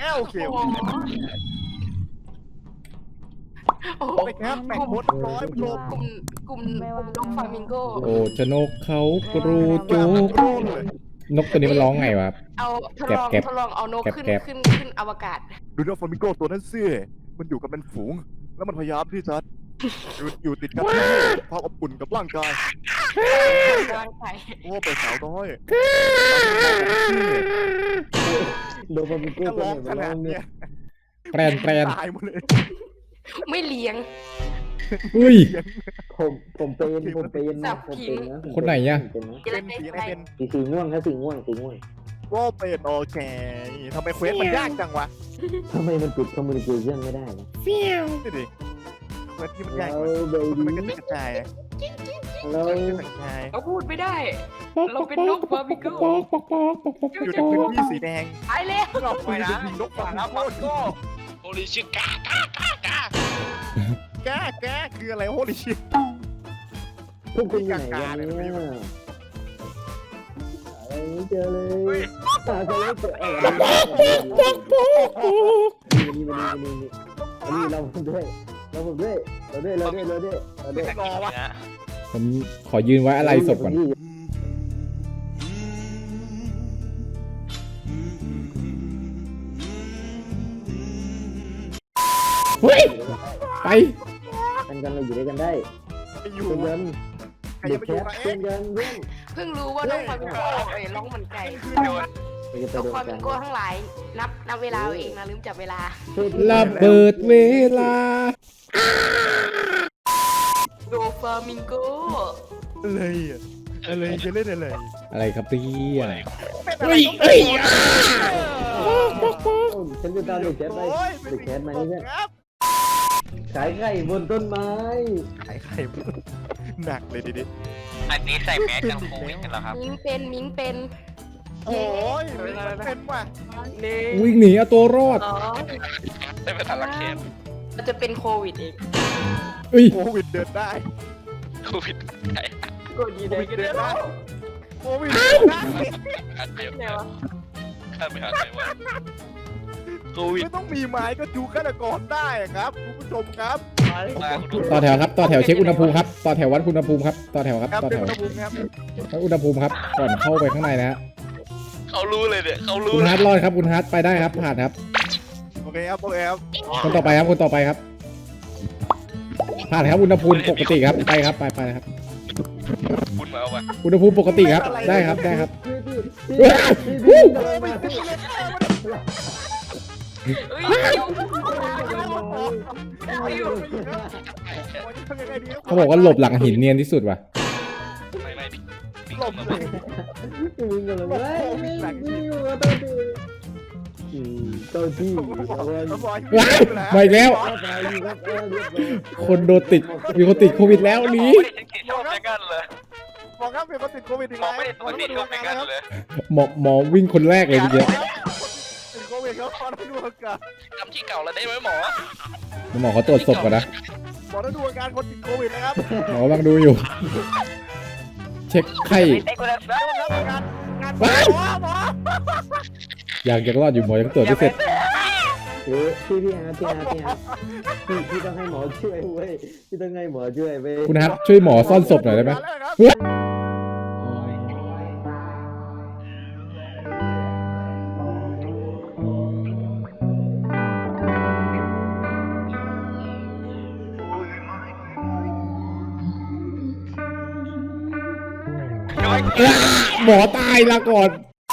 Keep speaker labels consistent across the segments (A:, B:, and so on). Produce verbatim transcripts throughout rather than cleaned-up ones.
A: อ้าวโอเคโอเคโอ้ยครับแบ่งโพสร้อยโลกลุ่มกลุ่มกลุ่มนกฟลามิงโก
B: โอ้ชนกเขากรูจุกนกตัวนี้มันร้องไงวะ
A: เอาทดลองทดลองเอานกขึ้นขึ้นขึ้นอวกาศดูนกฟลามิงโกตัวนั้นสิมันอยู่กับเป็นฝูงแล้วมันพยายามที่จะอยู่อยู่ติดกันที่ความอบอุ่นกับร่างกายร่างกายโอ้เป็นสาวน้อย
C: โดนฟลามิงโก้ตัวไหนมาร้องเนี่ย
B: แปรนแปรน
A: ตายหมดเลยไม่เลี้ยง
B: อุ้ย
C: ผมผมเป็นผมเป็นนะผมเป็นนะ
B: คนไหนเนี่ย
A: เป็นสีอะไรเป็น
C: สีสีม่วงครับสีม่วงสีม่วง
A: ก็เป็นโอเคทำไมเควสมันยากจังวะ
C: ทำไมมันปิดคอมมูนิเคชั่นไม่ได้นะ
B: เฟี้ยว
A: นี่ดิเควสที่มันยากมันก็กระจาย
C: เรา
A: เราพูดไม่ได้เราเป็นนกฟลามิงโกอยู่ในพื้นที่สีแดงไปเลยเราไปนะนกฟลามิงโก
D: โฮลิชิกากากากา
A: แกแกคืออะไรโฮลิชิ
C: พวกคุณอยู่ไหนกันเนี่ยไม่เจอเลยตาจะไม่เจอเออนี่มานี่มานี่มานี่เราด้วยเราด้วยเราด้วยเราด้วยเราด้วยเราด้วย
A: รอวะ
B: ผมขอยืนไว้อะไรศพก่อนเฮ้ยไป
C: กันกันเราอยู่ด้วยกันได้
A: อยู่
C: กันเด็กแคทเป็นกันเพื่อน
A: เพิ่งรู้ว่าน้องฟลามิงโกเอ้ยร้องเหมือนไก่น้องฟลามิงโกทั้งหลายนับนับเวลาเองนะลืมจับเวลา
B: ระเบิดเวลา
A: โดฟลามิงโกอะไรอ่ะอะไรจะเล่นอะไร
B: อะไรครับพี่
A: เฮ้ยเฮ้ย
C: ฉันจะตามเด็กแคทไปเด็กแคทมานี่เนี่ยขายไข่บนต้นไม้
A: ขายไข่หนักเลยดิดิ
D: อันนี้ใส่แมสกันโควิดกันเหรอครับ
A: มิงเป็นมิงเป็นโอ้ยเป็นว่ะ
B: วิ่งหนีเอาตัวรอด
D: ได้ไปทันละเคส
A: มันจะเป็นโควิดเองโควิดเดินได้
D: โควิดได้
A: โควิดเดินได้โควิดเดินได้
D: อันเดียวเนี่ยข้ามไปหาใครวะโควิด
A: ไม่ต้องมีไม้ก็จูฆาตกรได้ครับคุณผู้ชมครับ
B: ต่อแถวครับต่อแถวเช็คอุณหภูมิครับต่อแถววัดอุณหภูมิครับต่อแถวครับต่อแถววัดอุณหภูมิครับก่อนเข้าไปข้างในนะฮะ
D: เขารู้เลยเนี่ยเขารู้
B: คุณฮาร์ดรอดครับคุณฮาร์ดไปได้ครับผ่านครับ
A: โอเคครับโอเคครับ
B: คนต่อไปครับคนต่อไปครับผ่านครับอุณหภูมิปกติครับไปครับไปไปครับ
D: คุณมาเอาไป
B: อุณหภูมิปกติครับได้ครับได้ครับเขาบอกว่าหลบหลังหินเนียนที่สุดว่ะ
D: ไม่ไม่
A: หลบเลย
C: มึงกันเลยไม่ไม่อยู่กับตัวที่ตัวที่
B: มาอีกแล้วคนโดนติดมีคนติดโควิดแล้วหนี
A: บอกครับมีคนติดโควิดอีกแล้ว
B: หมอหมอวิ่งคนแรกเลยทีเดียว
A: ติดโควิดเขาตอนดูอาการ
D: ทำที่เก่าแล้วได้ไหมหมอ
B: หมอเขาตรวจศพก่อนนะ
A: หมอต้องดูอาการคนติดโควิดนะครับ
B: หมอกำลังดูอยู่เช็คไข้อยากจะรอดอยู่หมอยังตรวจไม่เสร็จ
C: เออพี่พี่ฮะพี่ฮะพี่ฮะพี่พี่ต้องให้หมอช่วยเว้ยพี่ต้องให้หมอช่วยเว้ย
B: คุณฮะช่วยหมอซ่อนศพหน่อยได้ไหมหมอตายละก่อน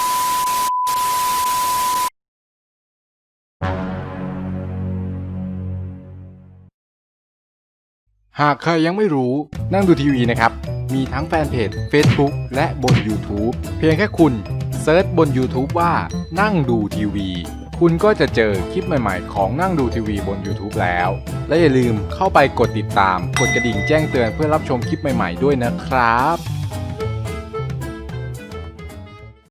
E: หากใครยังไม่รู้นั่งดูทีวีนะครับมีทั้งแฟนเพจ Facebook และบน YouTube เพียงแค่คุณเซิร์ชบน YouTube ว่านั่งดูทีวีคุณก็จะเจอคลิปใหม่ๆของนั่งดูทีวีบน YouTube แล้วและอย่าลืมเข้าไปกดติดตามกดกระดิ่งแจ้งเตือนเพื่อรับชมคลิปใหม่ๆด้วยนะครับ